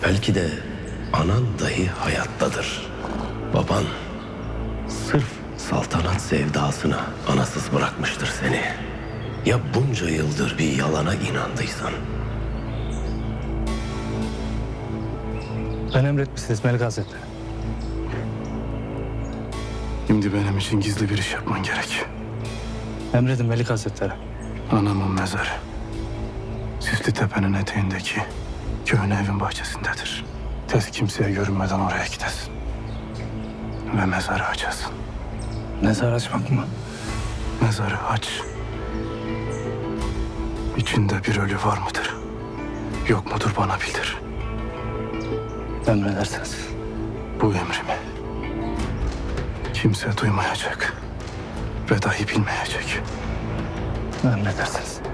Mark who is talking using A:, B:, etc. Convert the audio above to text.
A: Belki de anan dahi hayattadır. Baban sırf saltanat sevdasına anasız bırakmıştır seni. Ya bunca yıldır bir yalana inandıysan?
B: Ben emretmişsiniz Melik Hazretleri.
C: Şimdi benim için gizli bir iş yapman gerek.
B: Emredin Melik Hazretleri.
C: Anamın mezarı Süslü Tepe'nin eteğindeki köhne evin bahçesindedir. Tez kimseye görünmeden oraya gidesin. Ve mezarı açasın.
B: Mezar açmak mı?
C: Mezarı aç. İçinde bir ölü var mıdır? Yok mudur bana bildir.
B: Emredersiniz.
C: Bu emrimi kimse duymayacak ve dahi bilmeyecek.
B: Emredersiniz.